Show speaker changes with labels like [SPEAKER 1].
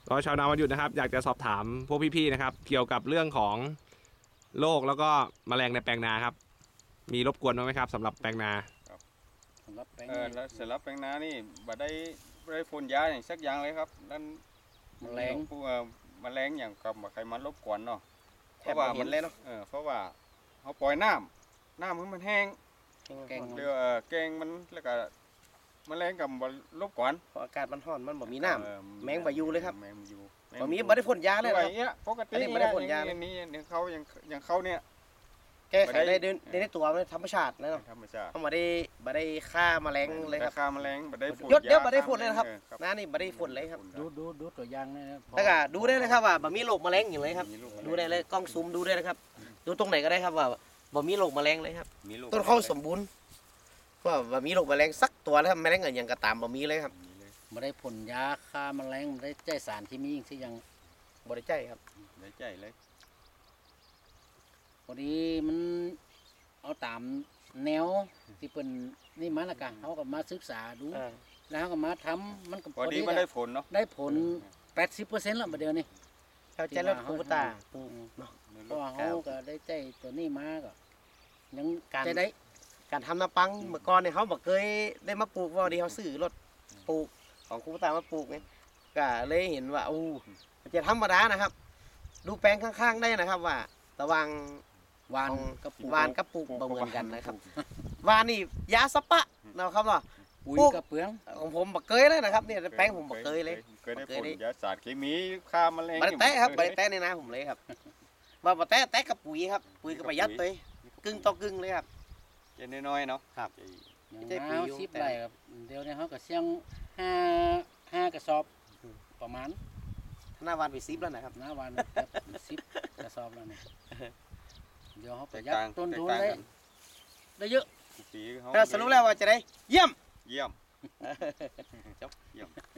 [SPEAKER 1] ก็ชาวนาวันหยุดนะครับอยากจะสอบถามพวกพี่ๆนะครับเกี่ยวกับเรื่องของโรคแล้วก็แมลงในแปลงนาครับมีรบกวนบ้างไหมครับสำหรับแปลงนา
[SPEAKER 2] สำหรับแปลง
[SPEAKER 3] แล้วสำหรับแปลงนานี่บ่ได้พ่นยาอย่างสักอย่างเลยครับนั่น
[SPEAKER 2] แมลง
[SPEAKER 3] พวกแมลงอย่างกับใครมันรบกวนเนาะ
[SPEAKER 4] แทบไม่เห็นเลยเนาะ
[SPEAKER 3] เพราะว่าเขาปล่อยน้ำให้มันแห้ง
[SPEAKER 2] แกง
[SPEAKER 3] เดี๋ยวแกงมันแล้วก็แมลงกับบ่รบกวน
[SPEAKER 4] เพราะอากาศมันร้อนมันบ่มีน้ำแมงบ่อยู่เลยครับ
[SPEAKER 3] แมงบ่อยู่
[SPEAKER 4] บ่มีบ่ได้พ่นยาเลย
[SPEAKER 3] อะไร
[SPEAKER 4] นะครับ
[SPEAKER 3] เงี้ยปกติ
[SPEAKER 4] อันนี้บ่ได้พ่นยาเลย
[SPEAKER 3] นี่เขาอย่างเขาเนี่ย
[SPEAKER 4] แก้ไขได้ในตัวมันธรรมชาติเลยเนาะ
[SPEAKER 3] ธรรมชาติ
[SPEAKER 4] เขาบ่ได้ฆ่าแมลงเลยครับ
[SPEAKER 3] ราคาแมลงบ่ได้พ่น
[SPEAKER 4] เดี๋ยว
[SPEAKER 3] า
[SPEAKER 4] บ่ได้พ่นเลยนะครับ
[SPEAKER 3] ออ
[SPEAKER 4] น้านี่บ่ได้พ่นเลยครับ
[SPEAKER 2] ดูตัวอย่างนะ
[SPEAKER 4] แล้วก็ดูได้เลยครับว่าบ่มีโรคแมลงอยู่เลยครับ
[SPEAKER 3] มีลูกแมลง
[SPEAKER 4] ดูได้เลยกล้องซูมดูได้เลยครับ ดูตรงไหนก็ได้ครับว่าบ่มีโรคแมลงเลยครับ
[SPEAKER 3] มีลูก
[SPEAKER 4] ต้นข้าวสมบูรณ์ว่าบ่มีโรคแมลงสักตัวแล้วครับแมลงอื่นยังก็ตามบ่มีเลยครับ
[SPEAKER 3] มีเลย
[SPEAKER 2] ไม่ได้พ่นยาฆ่าแมลงไม่ได้ใจสารเคมีสิยัง
[SPEAKER 4] บ่ได้ใจครับ
[SPEAKER 3] ได้ใจเลย
[SPEAKER 2] พอดีมันเอาตามแนวที่เป็นนี่มาแล้วกันเขาก็มาศึกษาดู แล้วเขาก็มาทำมันก็
[SPEAKER 3] พอดีมันได้ผลเนาะ
[SPEAKER 2] ได้ผล 80%แล้วประเดี๋ยวนี้
[SPEAKER 4] เข้าใจแล้วครูตาปลูก
[SPEAKER 2] เพราะว่าเขาก็ได้ใจตัวนี้มาก็ยัง
[SPEAKER 4] การ
[SPEAKER 2] ใจได้
[SPEAKER 4] การทำน้ำปังเมื่อก่อนเนี่ยเขาบอกเคยได้มาปลูกว่าดีเขาซื้อรถปลูกของครูตามาปลูกไงก็เลยเห็นว่าอู้มันจะธรรมดานะครับ ดูแปลงข้างๆได้นะครับว่าระหวัง
[SPEAKER 2] วาน
[SPEAKER 4] ของ
[SPEAKER 2] กับปลูก
[SPEAKER 4] วานกับปลูกบ่เหมือนกันนะครับวานนี่ยาสปะนะครับเนาะ
[SPEAKER 2] ปุ๋ย
[SPEAKER 4] ปลูก
[SPEAKER 2] กับเปลือง
[SPEAKER 4] ของผมบอกเคยเลยนะครับเนี่ยแปลงผมบอกเคยเลย
[SPEAKER 3] เคยได้
[SPEAKER 4] เค
[SPEAKER 3] ผ
[SPEAKER 4] ย
[SPEAKER 3] ล
[SPEAKER 4] ได้
[SPEAKER 3] ยาสารเคมีฆ่าแมลง
[SPEAKER 4] บริแตะครับบริแตะในนาผมเลยครับว่าบริแตะกับปุ๋ยครับปุ๋ยก็ประหยัดเลยกึ่งต่อกึ่งเลยครับ
[SPEAKER 3] เจนน้อยๆเนาะ
[SPEAKER 4] ครับ
[SPEAKER 2] อย่าง
[SPEAKER 4] ใจปุ๋ย
[SPEAKER 2] น้า
[SPEAKER 4] อยู่
[SPEAKER 2] 10 ไร่ครับเดี๋ยวนี้เขาก็เสี่ยงห้ากระสอบประมาณ
[SPEAKER 4] หน้าวานไปซิปแล้วนะครับ
[SPEAKER 2] หน้าวันครับ10 กระสอบแล้วเนี่ยเดี๋ยวเขาประหยัด
[SPEAKER 3] แตกต่าง
[SPEAKER 2] ต้นทุน
[SPEAKER 3] แตกต่าง
[SPEAKER 2] ได้
[SPEAKER 3] กัน
[SPEAKER 2] ได้เยอะ
[SPEAKER 3] ปีเขา
[SPEAKER 4] ถ้าสรุปแล้วว่าจะได้เยี่ยม
[SPEAKER 3] เยี่ยม
[SPEAKER 4] จบ
[SPEAKER 3] เยี่ยม